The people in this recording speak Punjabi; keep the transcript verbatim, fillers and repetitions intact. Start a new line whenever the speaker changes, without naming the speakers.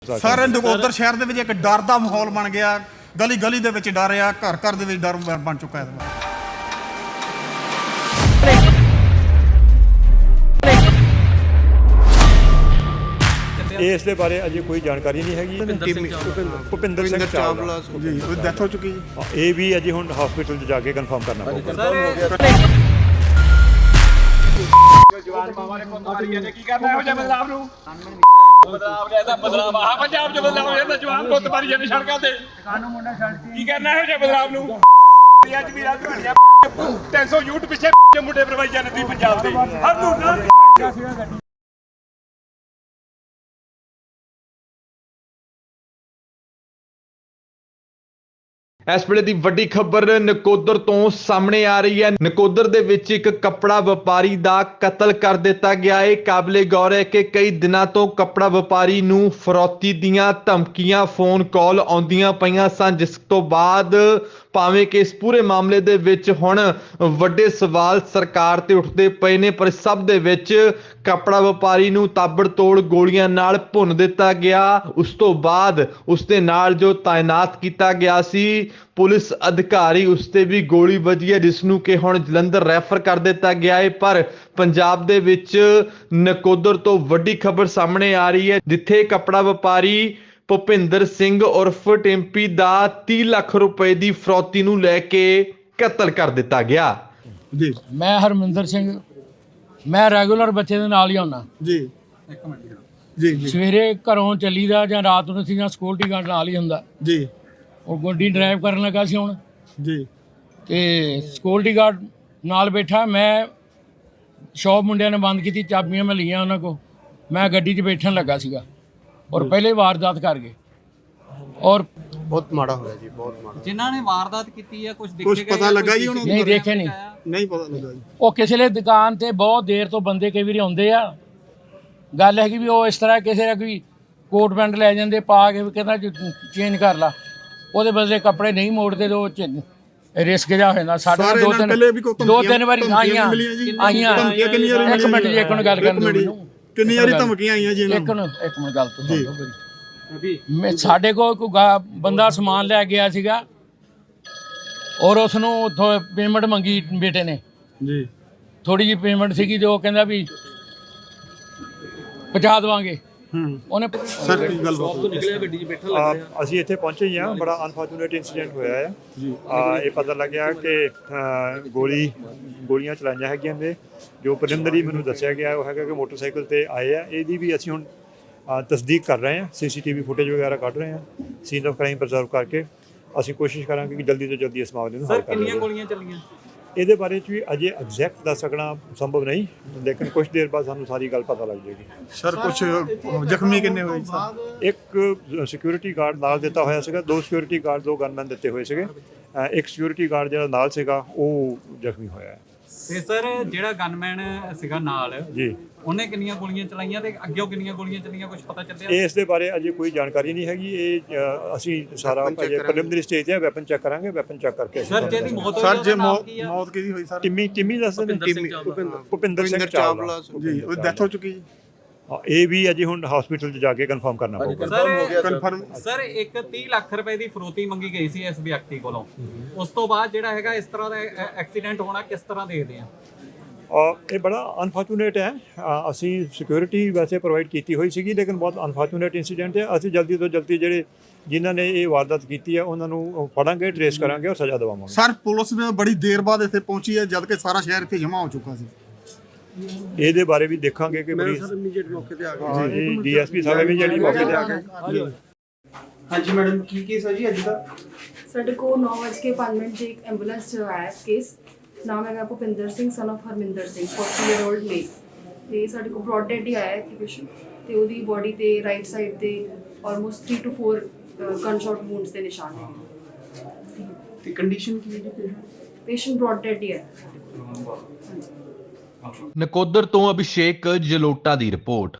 सर नकोदर शहर ਦੇ ਵਿੱਚ ਇੱਕ ਡਰ ਦਾ ਮਾਹੌਲ ਬਣ ਗਿਆ ਗਲੀ ਗਲੀ ਦੇ ਵਿੱਚ ਡਰ ਆ ਘਰ ਘਰ ਦੇ ਵਿੱਚ ਡਰ ਬਣ ਚੁੱਕਾ ਹੈ
ਇਸ ਦੇ ਬਾਰੇ ਅਜੇ ਕੋਈ ਜਾਣਕਾਰੀ ਨਹੀਂ ਹੈਗੀ ਭੁਪਿੰਦਰ ਸਿੰਘ ਚਾਵਲਾ
ਜੀ ਉਹ ਡੈਥ ਹੋ ਚੁੱਕੀ ਜੀ
ਇਹ ਵੀ ਅਜੇ ਹੁਣ ਹਸਪੀਟਲ 'ਚ ਜਾ ਕੇ ਕਨਫਰਮ ਕਰਨਾ ਪਊਗਾ
ਜਵਾਨ ਮਾਵਾਂ ਨੇ ਪੁੱਤ ਮਾਰੀਆਂ ਨੇ ਕੀ ਕਰਨਾ ਇਹੋ ਜਿਹੇ ਬਦਲਾਵ ਨੂੰ ਬਦਲਾਵ ਨੇ ਇਹਦਾ ਬਦਲਾਵ ਆ ਪੰਜਾਬ 'ਚ ਬਦਲਾਵ ਇਹਦਾ ਜਵਾਨ ਪੁੱਤ ਮਾਰੀਆਂ ਨੇ ਸੜਕਾਂ ਤੇ ਕਾਨੂੰ ਮੁੰਡਾ ਛੱਡ ਕੀ ਕਰਨਾ ਇਹੋ ਜਿਹੇ ਬਦਲਾਵ ਨੂੰ ਅੱਜ ਵੀ ਰਾਤ ਬਣਿਆ ਤਿੰਨ ਸੌ ਯੂਟ ਪਿੱਛੇ ਮੁੰਡੇ ਪ੍ਰਵਾਈ ਜਾਂਦੇ ਤੁਸੀਂ ਪੰਜਾਬ ਦੇ ਹਰ ਨੂੰ ਨਾ
ਇਸ ਵੇਲੇ ਦੀ ਵੱਡੀ ਖਬਰ ਨਕੋਦਰ ਤੋਂ ਸਾਹਮਣੇ ਆ ਰਹੀ ਹੈ। ਨਕੋਦਰ ਦੇ ਵਿੱਚ ਇੱਕ ਕੱਪੜਾ ਵਪਾਰੀ ਦਾ ਕਤਲ ਕਰ ਦਿੱਤਾ ਗਿਆ ਹੈ। ਕਾਬਲੇ ਗੌਰ ਹੈ ਕਿ ਕਈ ਦਿਨਾਂ ਤੋਂ ਕੱਪੜਾ ਵਪਾਰੀ ਨੂੰ ਫਰੌਤੀ ਦੀਆਂ ਧਮਕੀਆਂ ਫੋਨ ਕਾਲ ਆਉਂਦੀਆਂ ਪਈਆਂ ਸਨ, ਜਿਸ ਤੋਂ ਬਾਅਦ ਭਾਵੇਂ ਕਿ ਇਸ ਪੂਰੇ ਮਾਮਲੇ ਦੇ ਵਿੱਚ ਹੁਣ ਵੱਡੇ ਸਵਾਲ ਸਰਕਾਰ ਤੇ ਉੱਠਦੇ ਪਏ ਨੇ, ਪਰ ਸਭ ਦੇ ਵਿੱਚ ਕੱਪੜਾ ਵਪਾਰੀ ਨੂੰ ਤਾਬੜਤੋੜ ਗੋਲੀਆਂ ਨਾਲ ਭੁੰਨ ਦਿੱਤਾ ਗਿਆ। ਉਸ ਤੋਂ ਬਾਅਦ ਉਸ ਦੇ ਨਾਲ ਜੋ ਤਾਇਨਾਤ ਕੀਤਾ ਗਿਆ ਸੀ ਪੁਲਿਸ ਅਧਿਕਾਰੀ, ਉਸ ਤੇ ਵੀ ਗੋਲੀ ਵੱਜੀ ਹੈ, ਜਿਸ ਨੂੰ ਕਿ ਹੁਣ ਜਲੰਧਰ ਰੈਫਰ ਕਰ ਦਿੱਤਾ ਗਿਆ ਹੈ। ਪਰ ਪੰਜਾਬ ਦੇ ਵਿੱਚ ਨਕੋਦਰ ਤੋਂ ਵੱਡੀ ਖਬਰ ਸਾਹਮਣੇ ਆ ਰਹੀ ਹੈ, ਜਿੱਥੇ ਕੱਪੜਾ ਵਪਾਰੀ ਭੁਪਿੰਦਰ ਸਿੰਘ ਉਰਫ ਟੈਂਪੀ ਦਾ ਤੀਹ ਲੱਖ ਰੁਪਏ ਦੀ ਫਰੌਤੀ ਨੂੰ ਲੈ ਕੇ ਕਤਲ ਕਰ ਦਿੱਤਾ ਗਿਆ।
ਜੀ
ਮੈਂ ਹਰਮਿੰਦਰ ਸਿੰਘ, ਮੈਂ ਰੈਗੂਲਰ ਬੱਚੇ ਦੇ ਨਾਲ ਹੀ ਆਉਣਾ
ਜੀ ਇੱਕ ਮਿੰਟ ਜੀ ਜੀ
ਸਵੇਰੇ ਘਰੋਂ ਚੱਲੀਦਾ ਜਾਂ ਰਾਤ ਨੂੰ ਸੀ ਜਾਂ ਸਿਕਿਉਰਿਟੀ ਗਾਰਡ ਨਾਲ ਹੀ ਹੁੰਦਾ
ਜੀ
ਉਹ ਗੱਡੀ ਡਰਾਈਵ ਕਰਨ ਲੱਗਾ ਸੀ ਹੁਣ
ਜੀ
ਤੇ ਸਿਕਿਉਰਿਟੀ ਗਾਰਡ ਨਾਲ ਬੈਠਾ, ਮੈਂ ਸ਼ੌਪ ਮੁੰਡਿਆਂ ਨੇ ਬੰਦ ਕੀਤੀ, ਚਾਬੀਆਂ ਮੈਂ ਲਈਆਂ ਉਹਨਾਂ ਕੋ, ਮੈਂ ਗੱਡੀ 'ਚ ਬੈਠਣ ਲੱਗਾ ਸੀਗਾ ਔਰ ਪਹਿਲੇ ਵਾਰਦਾਤ ਕਰ ਗਏ ਔਰ
ਬਹੁਤ ਮਾੜਾ ਹੋਇਆ ਜੀ ਬਹੁਤ ਮਾੜਾ।
ਜਿਨ੍ਹਾਂ ਨੇ ਵਾਰਦਾਤ ਕੀਤੀ ਹੈ ਕੁਝ
ਕੁਝ ਪਤਾ ਲੱਗਾ ਜੀ ਉਹਨੂੰ?
ਨਹੀਂ ਦੇਖੇ ਨਹੀਂ
ਨਹੀਂ ਪਤਾ ਲੱਗਾ ਜੀ।
ਉਹ ਕਿਸੇ ਲਈ ਦੁਕਾਨ ਤੇ ਬਹੁਤ ਦੇਰ ਤੋਂ ਬੰਦੇ ਕਈ ਵਾਰੀ ਆਉਂਦੇ ਆ, ਗੱਲ ਹੈਗੀ ਵੀ ਉਹ ਇਸ ਤਰ੍ਹਾਂ ਕਿਸੇ ਦਾ ਕੋਈ ਕੋਟ ਪੈਂਟ ਲੈ ਜਾਂਦੇ ਪਾ ਕੇ ਕਹਿੰਦਾ ਚੇਂਜ ਕਰ ਲਾ, ਉਹਦੇ ਬਦਲੇ ਕੱਪੜੇ ਨਹੀਂ ਮੋੜਦੇ ਤੇ ਉਹ ਰਿਸਕ ਜਾ ਹੋ ਜਾਂਦਾ। ਸਾਡੇ ਦੋ ਤਿੰਨ ਦੋ ਤਿੰਨ ਵਾਰੀ ਆਈਆਂ ਆਈਆਂ ਇੱਕ ਮਿੰਟ ਜੀ ਇੱਕ ਨੂੰ ਗੱਲ ਕਰਨ ਦਿਓ ਮੈਨੂੰ।
ਕਿੰਨੀ ਵਾਰੀ ਧਮਕੀਆਂ ਆਈਆਂ ਜੀ
ਇੱਕ ਨੂੰ ਇੱਕ ਮਿੰਟ ਗੱਲ ਤੋਂ ਸੁਣ ਲਓ ਮੇਰੀ। ਮੈਂ ਸਾਡੇ ਕੋਲ ਕੋਈ ਬੰਦਾ ਸਮਾਨ ਲੈ ਗਿਆ ਸੀਗਾ ਔਰ ਉਸ ਨੂੰ ਉੱਥੋਂ ਪੇਮੈਂਟ ਮੰਗੀ ਬੇਟੇ ਨੇ
ਜੀ,
ਥੋੜੀ ਜਿਹੀ ਪੇਮੈਂਟ ਸੀਗੀ ਤੇ ਉਹ ਕਹਿੰਦਾ ਵੀ ਪਹੁੰਚਾ ਦੇਵਾਂਗੇ। ਉਹਨੇ
ਸਰ ਕੀ ਗੱਲ ਬਾਤ
ਨਿਕਲਿਆ ਗੱਡੀ 'ਚ ਬੈਠਾ ਲੱਗ ਰਿਹਾ।
ਅਸੀਂ ਇੱਥੇ ਪਹੁੰਚੇ ਹੀ ਹਾਂ, ਬੜਾ ਅਨਫੋਰਚੂਨੇਟ ਇਨਸੀਡੈਂਟ ਹੋਇਆ ਹੈ ਜੀ। ਇਹ ਪਤਾ ਲੱਗਿਆ ਕਿ ਗੋਲੀ ਗੋਲੀਆਂ ਚਲਾਈਆਂ ਹੈਗੀਆਂ ਨੇ। ਜੋ ਪ੍ਰੀਲਿਮਿਨਰੀ ਮੈਨੂੰ ਦੱਸਿਆ ਗਿਆ ਉਹ ਹੈਗਾ ਕਿ ਮੋਟਰਸਾਈਕਲ ਤੇ ਆਏ ਆ। ਇਹਦੀ ਵੀ ਅਸੀਂ ਹੁਣ ਤਸਦੀਕ ਕਰ ਰਹੇ ਹਾਂ, ਸੀਸੀਟੀਵੀ ਫੁਟੇਜ ਵਗੈਰਾ ਕੱਢ ਰਹੇ ਹਾਂ, ਸੀਨ ਆਫ ਕ੍ਰਾਈਮ ਪ੍ਰੀਜ਼ਰਵ ਕਰਕੇ ਅਸੀਂ ਕੋਸ਼ਿਸ਼ ਕਰਾਂਗੇ ਕਿ ਜਲਦੀ ਤੋਂ ਜਲਦੀ ਇਸ ਮਾਮਲੇ ਨੂੰ ਹੱਲ ਕਰ
ਕਿੰਨੀਆਂ ਗੋਲੀਆਂ ਚੱਲੀਆਂ
ਇਹਦੇ ਬਾਰੇ 'ਚ ਵੀ ਅਜੇ ਐਗਜ਼ੈਕਟ ਦੱਸ ਸਕਣਾ ਸੰਭਵ ਨਹੀਂ, ਲੇਕਿਨ ਕੁਝ ਦੇਰ ਬਾਅਦ ਸਾਨੂੰ ਸਾਰੀ ਗੱਲ ਪਤਾ ਲੱਗ ਜਾਏਗੀ।
ਸਰ ਕੁਝ ਜ਼ਖਮੀ ਕਿੰਨੇ ਹੋਏ ਸਰ?
ਇੱਕ ਸਿਕਿਉਰਿਟੀ ਗਾਰਡ ਨਾਲ ਦਿੱਤਾ ਹੋਇਆ ਸੀਗਾ, ਦੋ ਸਿਕਿਉਰਿਟੀ ਗਾਰਡ ਦੋ ਗਨਮੈਨ ਦਿੱਤੇ ਹੋਏ ਸੀਗੇ, ਇੱਕ ਸਿਕਿਉਰਿਟੀ ਗਾਰਡ ਜਿਹੜਾ ਨਾਲ ਸੀਗਾ ਉਹ ਜ਼ਖਮੀ ਹੋਇਆ ਹੈ।
ਤੇ ਸਰ ਜਿਹੜਾ ਗਨਮੈਨ ਸੀਗਾ ਨਾਲ
ਜੀ
ਉਹਨੇ ਕਿੰਨੀਆਂ ਗੋਲੀਆਂ ਚਲਾਈਆਂ ਤੇ ਅੱਗੇ ਕਿੰਨੀਆਂ ਗੋਲੀਆਂ ਚੱਲੀਆਂ ਕੁਝ ਪਤਾ ਚੱਲਿਆ?
ਇਸ ਦੇ ਬਾਰੇ ਅਜੇ ਕੋਈ ਜਾਣਕਾਰੀ ਨਹੀਂ ਹੈਗੀ। ਇਹ ਅਸੀਂ ਸਾਰਾ ਅਜੇ ਪ੍ਰੀਲਿਮਿਨਰੀ ਸਟੇਜ ਤੇ ਵੈਪਨ ਚੈੱਕ ਕਰਾਂਗੇ, ਵੈਪਨ ਚੈੱਕ ਕਰਕੇ
ਸਰ ਜਿਹਦੀ ਮੌਤ ਹੋਈ
ਸਰ ਜੇ
ਮੌਤ
ਮੌਤ ਕਿਹਦੀ ਹੋਈ ਸਰ?
ਟਿੰਮੀ ਟਿੰਮੀ ਦੱਸਦੇ ਨੇ ਭੁਪਿੰਦਰ ਸਿੰਘ ਚਾਵਲਾ
ਜੀ ਉਹ ਡੈਥ ਹੋ ਚੁੱਕੀ ਜੀ।
ਇਹ ਵੀ ਅਜੇ ਹੁਣ ਹਸਪੀਟਲ 'ਚ ਜਾ ਕੇ ਕਨਫਰਮ ਕਰਨਾ ਪਊਗਾ।
ਸਰ
ਕਨਫਰਮ
ਸਰ ਇੱਕ ਤੀਹ ਲੱਖ ਰੁਪਏ ਦੀ ਫਰੋਤੀ ਮੰਗੀ ਗਈ ਸੀ ਇਸ ਵਿਅਕਤੀ ਕੋਲੋਂ, ਉਸ ਤੋਂ ਬਾਅਦ ਜਿਹੜਾ ਹੈਗਾ ਇਸ ਤਰ੍ਹਾਂ ਦਾ ਐਕਸੀਡੈਂਟ ਹੋਣਾ ਕਿਸ ਤਰ੍ਹਾਂ ਦੇਖਦੇ ਆ?
ਇਹ ਬੜਾ ਅਨਫੋਰਚੂਨੇਟ ਹੈ। ਅਸੀਂ ਸਿਕਿਉਰਿਟੀ ਵੈਸੇ ਪ੍ਰੋਵਾਈਡ ਕੀਤੀ ਹੋਈ ਸੀਗੀ, ਲੇਕਿਨ ਬਹੁਤ ਅਨਫੋਰਚੂਨੇਟ ਇਨਸੀਡੈਂਟ ਹੈ। ਅਸੀਂ ਜਲਦੀ ਤੋਂ ਜਲਦੀ ਜਿਹੜੇ ਜਿਨ੍ਹਾਂ ਨੇ ਇਹ ਵਾਰਦਾਤ ਕੀਤੀ ਹੈ ਉਹਨਾਂ ਨੂੰ ਫੜਾਂਗੇ, ਟ੍ਰੇਸ ਕਰਾਂਗੇ ਔਰ ਸਜ਼ਾ ਦਿਵਾਵਾਂਗੇ।
ਸਰ ਪੁਲਿਸ ਨੇ ਬੜੀ ਦੇਰ ਬਾਅਦ ਇੱਥੇ ਪਹੁੰਚੀ ਹੈ ਜਦ ਕਿ ਸਾਰਾ ਸ਼ਹਿਰ ਇੱਥੇ ਜਮ੍ਹਾਂ ਹੋ ਚੁੱਕਾ ਸੀ।
ਇਹਦੇ ਬਾਰੇ ਵੀ ਦੇਖਾਂਗੇ ਕਿ ਪੁਲਿਸ
ਮੌਕੇ ਤੇ ਆ ਗਏ
ਜੀ ਡੀਐਸਪੀ ਸਾਹਿਬ ਵੀ ਜਿਹੜੀ ਮੌਕੇ ਤੇ ਆ ਗਏ।
ਹਾਂਜੀ ਮੈਡਮ ਕੀ ਕੇਸ ਹੈ ਜੀ ਅੱਜ ਦਾ?
ਸਾਡੇ ਕੋਲ ਨੌ ਵਜੇ ਕੇ ਪੰਜ ਮਿੰਟ 'ਚ ਇੱਕ ਐਂਬੂਲੈਂਸ 'ਚ ਆਇਆ ਕੇਸ। ਨਾਮ ਹੈਗਾ ਭੁਪਿੰਦਰ ਸਿੰਘ ਸਨ ਆਫ ਹਰਮਿੰਦਰ ਸਿੰਘ, ਚਾਲੀ ਈਅਰ ਓਲਡ ਮੇਲ। ਤੇ ਸਾਡੇ ਕੋਲ ਬ੍ਰੌਡ ਡੈਡ ਹੀ ਆਇਆ ਕਿ ਪੇਸ਼ੈਂਟ ਤੇ ਉਹਦੀ ਬੋਡੀ ਤੇ ਰਾਈਟ ਸਾਈਡ ਤੇ almost three two four gun shot wounds ਦੇ ਨਿਸ਼ਾਨ ਹੈਗੇ।
ਤੇ ਕੰਡੀਸ਼ਨ ਕੀ ਹੈ ਜੀ ਪੇਸ਼ੈਂਟ?
ਪੇਸ਼ੈਂਟ ਬ੍ਰੌਡ ਡੈਡ ਹੀ ਹੈ।
ਨਕੋਦਰ ਤੋਂ ਅਭਿਸ਼ੇਕ ਜਲੋਟਾ ਦੀ ਰਿਪੋਰਟ।